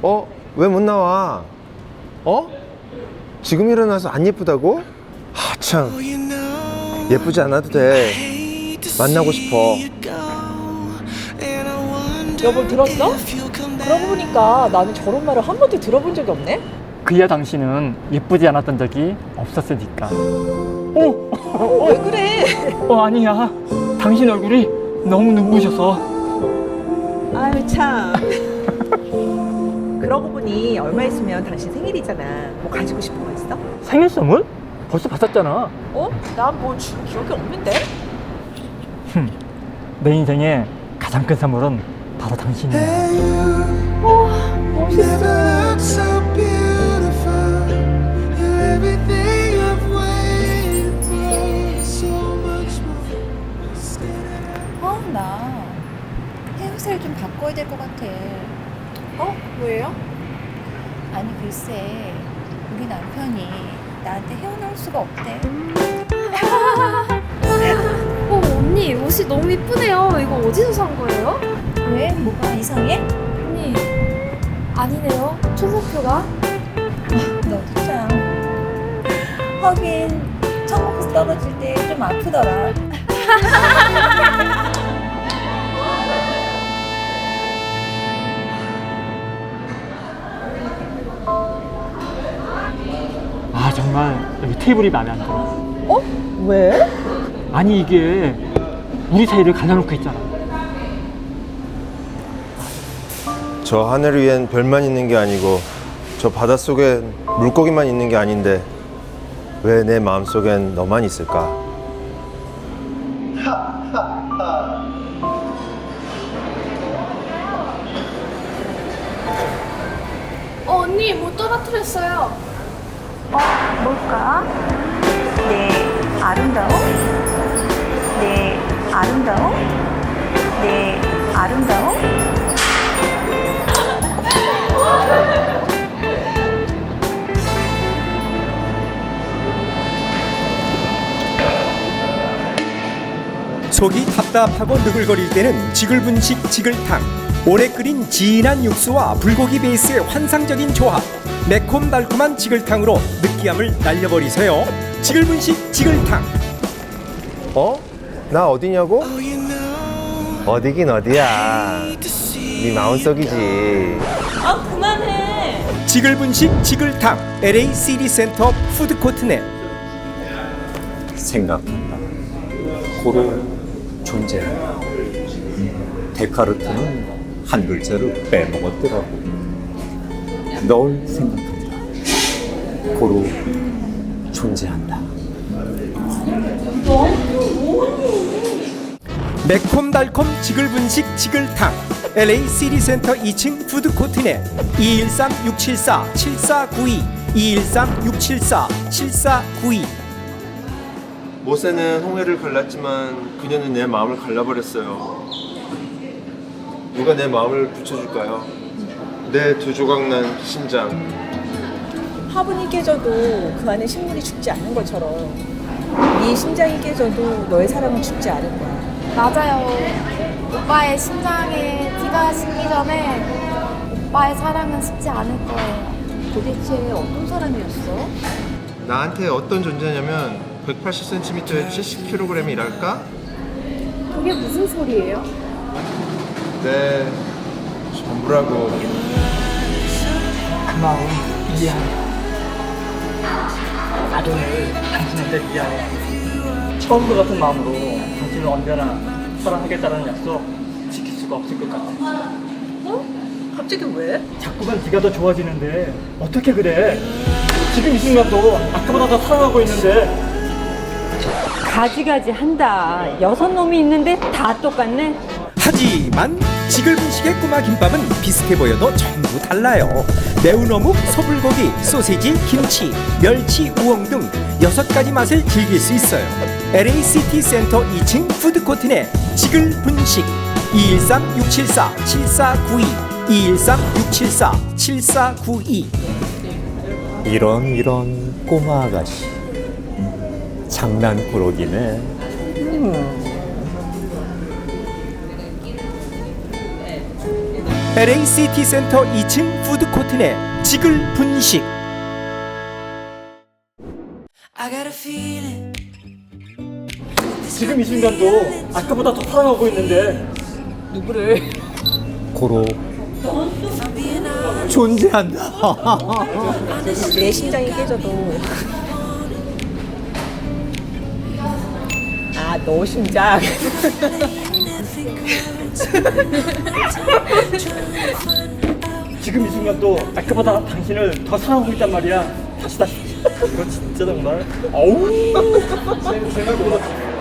왜 못 나와? 지금 일어나서 안 예쁘다고? 참 예쁘지 않아도 돼. 만나고 싶어. 여보 들었어? 그러고 보니까 나는 저런 말을 한 번도 들어본 적이 없네? 그야 당신은 예쁘지 않았던 적이 없었으니까. 왜 그래? 아니야. 당신 얼굴이 너무 눈부셔서. 아유 참. 그러고 보니 얼마 있으면 당신 생일이잖아. 뭐 가지고 싶은 거 있어? 생일 선물? 벌써 받았잖아. 난 뭐 준 기억이 없는데? 내 인생의 가장 큰 선물은 바로 당신이야. 멋있어. 나 헤어스타일 좀 바꿔야 될 것 같아. 왜요? 아니 글쎄, 우리 남편이 나한테 헤어나올 수가 없대. 언니 옷이 너무 이쁘네요. 이거 어디서 산 거예요? 왜? 뭐가 이상해? 언니 아니네요. 초상표가. 너도 참. 하긴 천국에서 떨어질 때 좀 아프더라. 정말 여기 테이블이 마음에 안 들어. 왜? 아니 이게 우리 사이를 갈라놓고 있잖아. 저 하늘 위엔 별만 있는 게 아니고 저 바닷속엔 물고기만 있는 게 아닌데 왜 내 마음속엔 너만 있을까? 언니 뭐 떨어뜨렸어요. 뭘까? 내 아름다움? 내 아름다움? 내 아름다움? 속이 답답하고 느글거릴 때는 지글분식 지글탕. 오래 끓인 진한 육수와 불고기 베이스의 환상적인 조합. 매콤달콤한 지글탕으로 느끼함을 날려버리세요. 지글분식 지글탕. 나 어디냐고? 어디긴 어디야. 네 마음속이지. 그만해. 지글분식 지글탕. LA 시리센터 푸드코트 내. 생각한다. 고로 존재한다. 데카르트는 한 글자를 빼먹었더라고. 널 생각한다. 고로 존재한다. 매콤달콤 지글분식 지글탕. LA 시리센터 2층 푸드코트 내. 213-674-7492 213-674-7492. 모세는 홍해를 갈랐지만 그녀는 내 마음을 갈라버렸어요. 누가 내 마음을 붙여줄까요? 내 두 조각 난 심장. 화분이 깨져도 그 안에 식물이 죽지 않는 것처럼 네 심장이 깨져도 너의 사랑은 죽지 않을 거야. 맞아요. 오빠의 심장에 피가 식기 전에 오빠의 사랑은 식지 않을 거예요. 도대체 어떤 사람이었어? 나한테 어떤 존재냐면 180cm에 70kg이랄까? 그게 무슨 소리예요? 내 전부라고. 그 마음 이해해. 나도 당신한테 이해해. 처음과 같은 마음으로 당신을 언제나 사랑하겠다는 약속 지킬 수가 없을 것 같아. 갑자기 왜? 자꾸만 네가 더 좋아지는데 어떻게 그래? 지금 이 순간도 아까보다 더 사랑하고 있는데. 가지가지 한다. 6놈이 있는데 다 똑같네. 하지만 지글분식의 꼬마 김밥은 비슷해 보여도 전부 달라요. 매운 어묵, 소불고기, 소세지, 김치, 멸치, 우엉 등 6가지 맛을 즐길 수 있어요. LA 시티 센터 2층 푸드코트 내 지글분식. 213-674-7492 213-674-7492. 이런 꼬마 아가씨. 장난꾸러기네. LA 시티센터 2층 푸드코트 내 지글 분식. 지금 이 순간도 아까보다 더 사랑하고 있는데 누구를? 고로 존재한다. 내 심장이 깨져도 아, 너 심장. 지금 이 순간도 아까보다 당신을 더 사랑하고 있단 말이야. 다시 이거 진짜 정말. 어우. 생각보다